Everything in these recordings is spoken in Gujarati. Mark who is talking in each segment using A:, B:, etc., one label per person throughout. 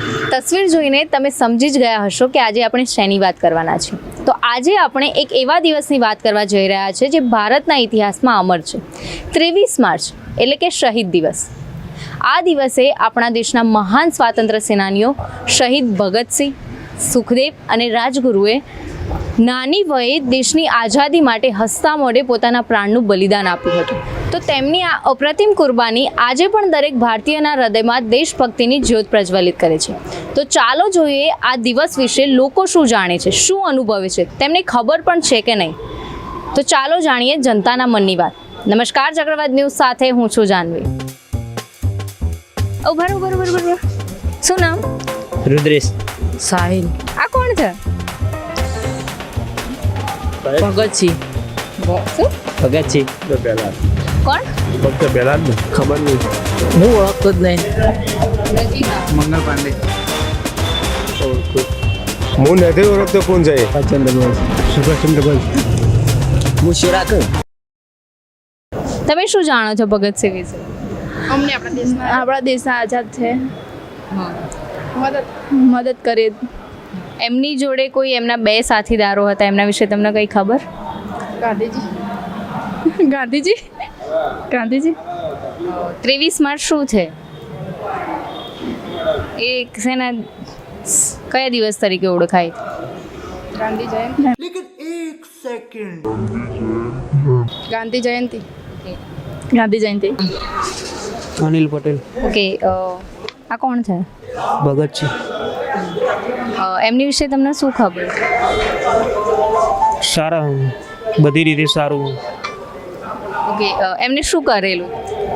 A: તસવીર જોઈને તમે સમજી જ ગયા હશો કે આજે આપણે શેની વાત કરવાના છે. તો આજે આપણે એક એવા દિવસની વાત કરવા જઈ રહ્યા છે જે ભારતના ઇતિહાસમાં અમર છે. 23 માર્ચ એટલે કે શહીદ દિવસ. આ દિવસે આપણા દેશના મહાન સ્વાતંત્ર્ય સેનાનીઓ શહીદ ભગતસિંહ, સુખદેવ અને રાજગુરુએ નાની વયે દેશની આઝાદી માટે હસતા મોઢે પોતાના પ્રાણનું બલિદાન આપ્યું હતું. તો તેમની આ અપ્રતિમ કુરબાની આજે પણ દરેક ભારતીયના હૃદયમાં દેશભક્તિની જ્યોત પ્રજ્વલિત કરે છે. તો ચાલો જોઈએ આ દિવસ વિશે લોકો શું જાણે છે, શું અનુભવે છે, તેમને ખબર પણ છે કે નહીં. તો ચાલો જાણીએ જનતાના મનની વાત. નમસ્કાર, ચક્રવાત ન્યૂઝ સાથે હું છું જાનવી. ઓ બરોબર. શું નામ?
B: रुद्रेश
C: साहिल
A: આ કોણ છે?
C: भगत सिंह
A: શું?
B: भगत सिंह
A: કોણ?
D: ફક્ત પહેલા જ ને ખબર નહીં.
C: હું ઓળખતો જ નહીં.
D: મંગલ પાંડે હું નથી ઓળખતો. કોણ છે? સુભાષચંદ્ર બોઝ.
B: मुशराक
A: તમે શું જાણો છો ભગતસિંહ વિશે?
E: અમને આપણા દેશના આઝાદ છે, મદદ કરે.
A: એમની જોડે કોઈ એમના બે સાથીદારો હતા, એમના વિશે તમને કંઈ ખબર?
E: ગાંધીજી
A: 23 માર્ચ શું છે? એ શેના કયા દિવસ તરીકે ઓળખાય?
E: ગાંધી જયંતિ. ગાંધી જયંતિ.
B: अनिल पटेल
A: ઓકે, આ કોણ છે?
B: भगत सिंह
A: એમની વિશે તમને શું ખબર?
B: सारा बधी रीते सारू
A: ઓકે, એમને શું કરેલું?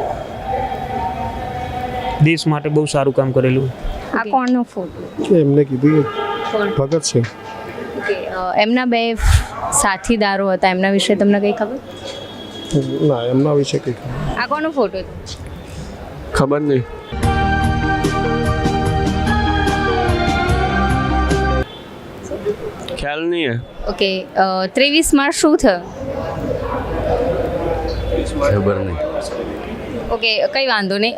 B: देश માટે બહુ સારું કામ કરેલું.
A: આ કોણનો ફોટો?
D: એમને કીધું ભગત છે.
A: ઓકે, એમના બે સાથીદારો હતા, એમના વિશે તમને કંઈ ખબર?
D: ના, એમના વિશે કંઈ
A: આ કોનો ફોટો?
D: ખબર નહીં. ખ્યાલ નહીં હે.
A: ઓકે, 23 માર્ચ શું થયું?
D: ખબર નહીં.
A: ઓકે, કંઈ વાંધો નહીં.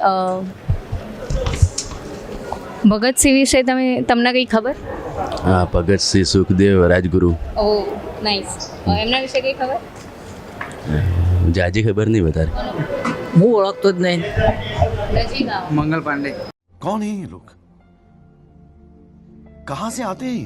A: ભગતસિંહ વિશે તમને કંઈ ખબર?
F: हाँ, भगत सिंह, सुखदेव, राजगुरु.
A: Oh nice. એમના વિશે કંઈ ખબર?
F: जाजी खबर नहीं बता रहे.
C: હું ઓળખતો જ નહીં.
D: મંગલ પાંડે.
G: कौन है ये लोग? कहाँ से आते हैं ये?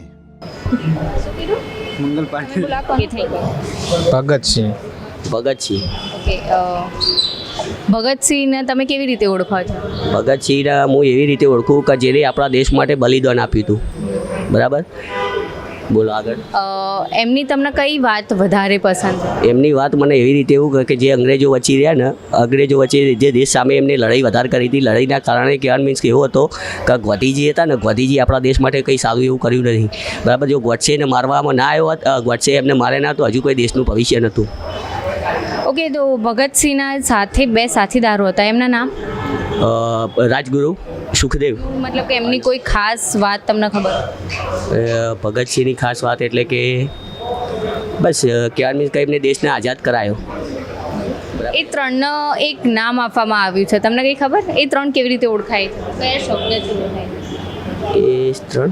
D: મંગલ પાંડે.
A: ઓકે, થઈ ગયું.
D: ભગતસિંહ.
B: ભગત સિંહ
A: ઓકે, ભગતસિંહને તમે કેવી રીતે ઓળખો છો?
B: ભગત સિંહને હું એવી રીતે ઓળખું કે જેને આપણા દેશ માટે બલિદાન આપ્યું હતું. બરાબર, બોલો આગળ.
A: એમની તમને કઈ વાત વધારે પસંદ છે?
B: એમની વાત મને એવી રીતે એવું કે જે અંગ્રેજો વચ્ચે રહ્યા ને, અંગ્રેજો વચ્ચે જે દેશ સામે એમને લડાઈ વધારે કરી હતી. લડાઈના કારણે કહેવાનું મીન્સ કે એવો હતો કે ગોધીજી હતા ને, ગોધીજી આપણા દેશ માટે કંઈ સારું એવું કર્યું નથી. બરાબર, જો ગોડસેને મારવામાં ના આવ્યો હોત, ગોડસે એમને મારે ના તો હજુ કોઈ દેશનું ભવિષ્ય નહોતું.
A: ઓકે, તો ભગતસિંહના સાથે બે સાથીદારો હતા, એમના નામ?
B: રાજગુરુ, સુખદેવ.
A: મતલબ કે એમની કોઈ ખાસ વાત તમને ખબર?
B: ભગતસિંહની ખાસ વાત એટલે કે બસ કહેવાનું મીન્સ કે એમને દેશને આઝાદ કરાયો.
A: એ ત્રણનો એક નામ આપવામાં આવ્યું છે, તમને કંઈ ખબર? એ ત્રણ કેવી રીતે ઓળખાય છે? કયા શબ્દથી ઓળખાય છે?
B: એ ત્રણ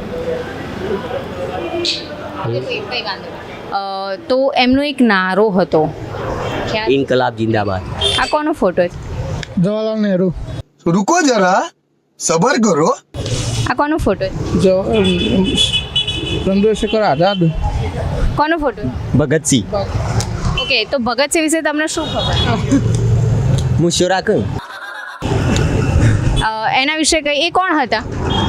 A: કંઈ વાંધો નહીં. તો એમનો એક નારો હતો, ખ્યાલ?
B: ઇન્કલાબ જિંદાબાદ.
A: આ કોનો ફોટો છે?
D: જવાહરલાલ નહેરુ.
G: रुको जरा, सबर करो.
A: આ કોનો ફોટો છે?
D: ચંદ્રશેખર આઝાદ.
A: કોનો ફોટો?
B: ભગતસિંહ.
A: ઓકે, તો ભગતસિંહ વિશે તમને શું ખબર?
B: મુશરાક
A: એના વિશે કંઈ, એ કોણ હતા?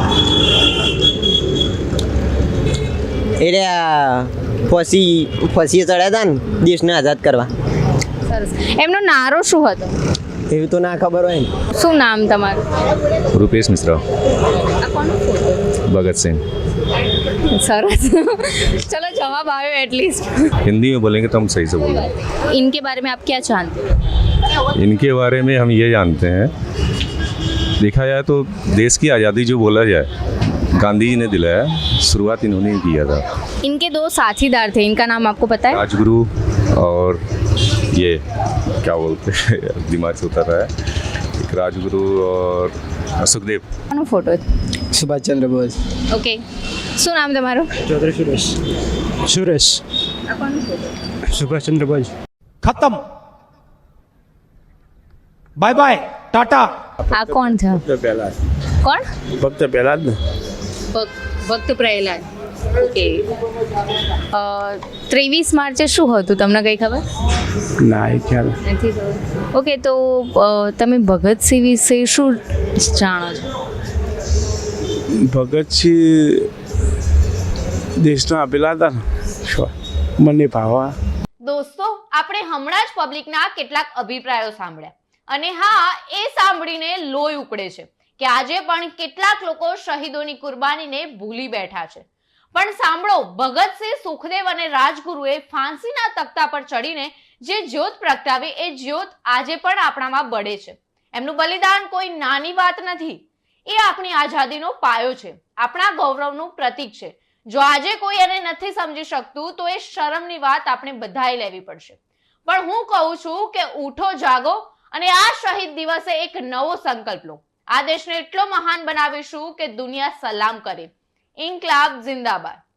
B: એટલે ફસી ચડ્યા હતા ને દેશને આઝાદ કરવા.
A: સરસ. એમનો નારો શું હતો?
B: એવું તો ના ખબર હોય ને.
A: શું નામ તમારું?
F: रुपेश मिश्रा.
A: આ કોનો ફોટો?
F: भगत सिंह.
A: सरस. चलो जवाब आयो एटलीस्ट.
F: हिंदी में बोलेंगे तो हम सही से बोलेंगे.
A: इनके बारे में आप क्या जानते हो?
F: इनके बारे में हम ये जानते हैं, देखा जाए तो देश की आज़ादी जो बोला जाए, गांधी जी ने दिलाया, शुरुआत इन्होंने ही किया था.
A: इनके दो साथीदार थे, इनका नाम आपको पता है?
F: राजगुरु और ये क्या बोलते हैं, दिमाग से उतर रहा है, एक राजगुरु और सुखदेव.
A: फोटो
D: સુભાષચંદ્ર બોઝ.
A: ઓકે, શું નામ તમારું?
H: ચૌધરી સુરેશ. સુરેશ. સુભાષચંદ્ર બોઝ.
I: खत्म बाय बाय टाटा
A: આ કોણ છે? કોણ?
H: ભક્ત પ્રહલાદ ને
A: ભક્ત પ્રહલાદ. ઓકે, 23 માર્ચે શું હતું તમને કંઈ ખબર
H: ના એ ખ્યાલ
A: નથી? ઓકે, તો તમે ભગતસિંહ વિશે શું જાણો છો?
H: ભગતસિંહ દેશના આપેલા હતા ને શું મને ભાવા.
A: દોસ્તો, આપણે હમણાં જ પબ્લિકના કેટલાક અભિપ્રાયો સાંભળ્યા અને હા, એ સાંભળીને લોહી ઉકળે છે કે આજે પણ કેટલાક લોકો શહીદોની કુરબાનીને ભૂલી બેઠા છે. પણ સાંભળો, ભગતસિંહ, સુખદેવ અને રાજગુરુએ ફાંસીના તખ્તા પર ચડીને જે જ્યોત પ્રગટાવી, એ જ્યોત આજે પણ આપણામાં બળે છે. એમનું બલિદાન કોઈ નાની વાત નથી. એ આપણી આઝાદીનો પાયો છે, આપણા ગૌરવનું પ્રતીક છે. જો આજે કોઈ એને નથી સમજી શકતું તો એ શરમની વાત આપણે બધાએ લેવી પડશે. પણ હું કહું છું કે ઉઠો, જાગો અને આ શહીદ દિવસે એક નવો સંકલ્પ લો. આ દેશને એટલો મહાન બનાવીશું કે દુનિયા સલામ કરે. ઇન્કલાબ જિંદાબાદ.